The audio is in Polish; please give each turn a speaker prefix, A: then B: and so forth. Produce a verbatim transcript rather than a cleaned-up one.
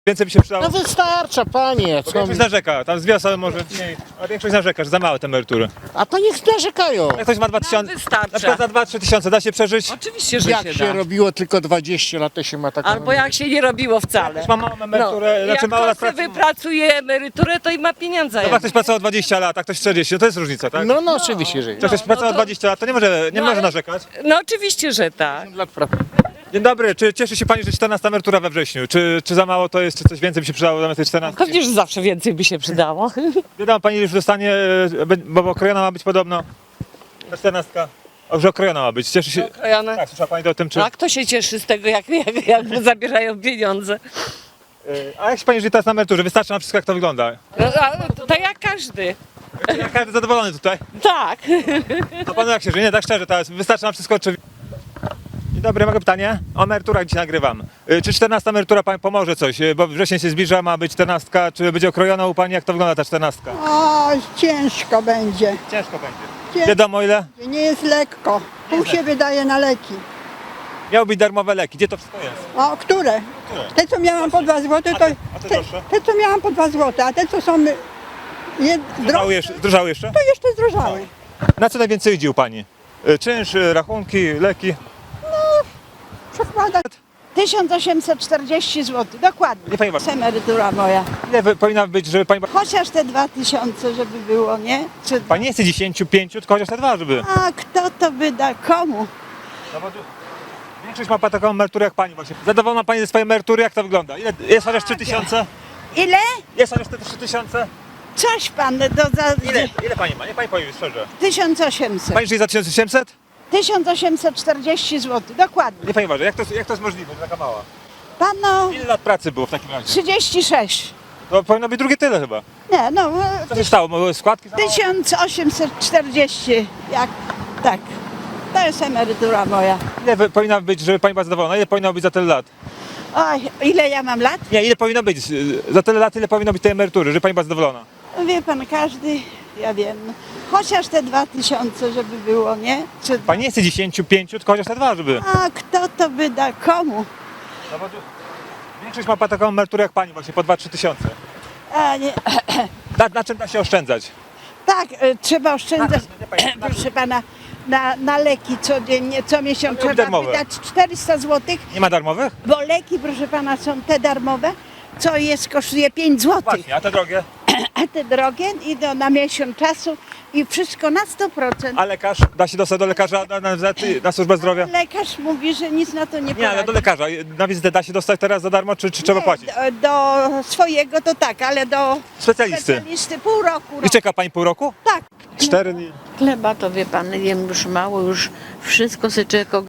A: Więcej by się przydało.
B: No wystarcza, panie.
A: Bo
B: Co...
A: większość narzeka, tam z dwie osoby może mniej, a większość narzeka, że za małe te emerytury.
B: A to niech narzekają.
A: Jak ktoś ma dwa tysiące,
C: Nam wystarcza.
A: na przykład za dwa trzy tysiące, da się przeżyć?
C: Oczywiście, że
B: Jak
C: się,
B: się
C: da.
B: robiło tylko dwadzieścia lat, to się ma taką...
C: Albo jak się nie robiło wcale.
A: Ktoś ma małą emeryturę,
C: No,
A: znaczy
C: jak
A: mało lat
C: ktoś
A: pracy.
C: sobie wypracuje emeryturę, to i ma pieniądze.
A: No jak ktoś pracował dwadzieścia lat, a ktoś czterdzieści, no to jest różnica, tak?
B: No, no oczywiście, że
A: Jak ktoś
C: no
A: pracował
C: to-
A: dwadzieścia lat, to nie może, nie
C: No,
A: może
C: ale-
A: narzekać.
C: No oczywiście, że tak.
B: lat pracy.
A: Dzień dobry, czy cieszy się pani, że czternasta emerytura we wrześniu? Czy, czy za mało to jest, czy coś więcej by się przydało zamiast tej czternastki?
C: Pewnie, że zawsze więcej by się przydało.
A: Wiadomo, pani już dostanie, e, be- bo okrojona ma być podobno. Ta czternastka. O, że okrojona ma być, cieszy się.
C: Okrojona.
A: Tak, słyszała pani o tym, czy...
C: A kto się cieszy z tego, jak, jak, jak mu zabierają pieniądze?
A: E, A jak się pani żyje teraz na emeryturze? Wystarczy na wszystko, jak to wygląda?
C: No, a, to jak każdy.
A: Jak każdy zadowolony tutaj?
C: Tak.
A: A panu jak się żyje? Nie, tak szczerze, teraz wystarczy na wszystko, czy... Dzień dobry, mogę pytanie? O emeryturach dzisiaj nagrywam. Y, Czy czternasta emerytura pani pomoże coś? Y, Bo wrzesień się zbliża, ma być czternastka. Czy będzie okrojona u pani? Jak to wygląda ta czternastka?
D: O, ciężko będzie.
A: Ciężko będzie.
D: Ciężko.
A: Wiadomo ile?
D: Nie jest lekko. Pół się wydaje na leki.
A: Miały być darmowe leki. Gdzie to wszystko jest?
D: O, które? Te, co miałam po dwa złote,
A: A
D: to...
A: te- a te
D: Te,
A: droższe?
D: te, co miałam po dwa złote, a te, co są... Jed,
A: Zdrożały
D: droższe,
A: jeszcze? Zdrożały jeszcze?
D: to jeszcze zdrożały.
A: Na co najwięcej idzie u pani? Y, Czynsz, y, rachunki, leki?
D: Przekładać.
E: tysiąc osiemset czterdzieści złotych, dokładnie.
A: Nie pani
E: To jest emerytura moja.
A: Ile wy- powinna być, żeby pani...
E: Chociaż te dwa tysiące, żeby było, nie? Czy...
A: Pani nie chce dziesięć, pięć, tylko chociaż te dwa, żeby...
E: A kto to wyda? Komu?
A: No bo tu- Większość ma taką emeryturę jak pani właśnie. Zadowolona pani ze swojej emerytury? Jak to wygląda? Ile, jest chociaż trzy tysiące?
E: Ile?
A: Jest chociaż te trzy tysiące?
E: Coś pan, do, za...
A: Ile? Ile pani ma? Nie pani powie szczerze.
E: tysiąc osiemset.
A: Pani żyje za tysiąc osiemset?
E: tysiąc osiemset czterdzieści złotych, dokładnie.
A: Nie pani uważa, jak to, jak to jest możliwe, że taka mała?
E: Pano,
A: Ile lat pracy było w takim razie?
E: trzydzieści sześć.
A: To powinno być drugie tyle chyba.
E: Nie, no,
A: Co się stało? Były składki? za mało?
E: tysiąc osiemset czterdzieści. Jak, tak. To jest emerytura moja.
A: Ile wy- powinna być, żeby pani była zadowolona? Ile powinno być za tyle lat?
E: Oj, ile ja mam lat?
A: Nie, ile powinno być? y, Za tyle lat ile powinno być tej emerytury, żeby pani była zadowolona?
E: Wie pan, każdy, ja wiem, no. Chociaż te dwa tysiące, żeby było, nie? Czy...
A: Pani nie chce dziesięć, pięć, tylko chociaż te dwa, żeby...
E: A kto to wyda? Komu?
A: No bo tu... Większość ma taką emeryturę jak pani właśnie, po dwa trzy tysiące.
E: A, nie.
A: Na, na czym da się oszczędzać?
E: Tak, e, trzeba oszczędzać,
A: Na- na- na- na-
E: proszę pana, na, na leki codziennie, co miesiąc
A: Ale
E: trzeba
A: darmowe.
E: wydać czterysta złotych,
A: Nie ma darmowych?
E: bo leki, proszę pana, są te darmowe, co jest, kosztuje pięć złotych,
A: Właśnie, a te drogie?
E: a te drogie idą na miesiąc czasu i wszystko na sto procent.
A: A lekarz? Da się dostać do lekarza na, na, na, na służbę zdrowia?
E: Lekarz mówi, że nic na to nie
A: Nie, ale
E: poradzi.
A: do lekarza. Na wizytę da się dostać teraz za darmo, czy, czy trzeba
E: Nie,
A: płacić?
E: Do, do swojego to tak, ale do
A: Specjalisty.
E: specjalisty pół roku.
A: I czeka pani pół roku?
E: Tak.
A: Cztery dni.
F: Chleba to wie pan, jem już mało, już wszystko sobie człowiek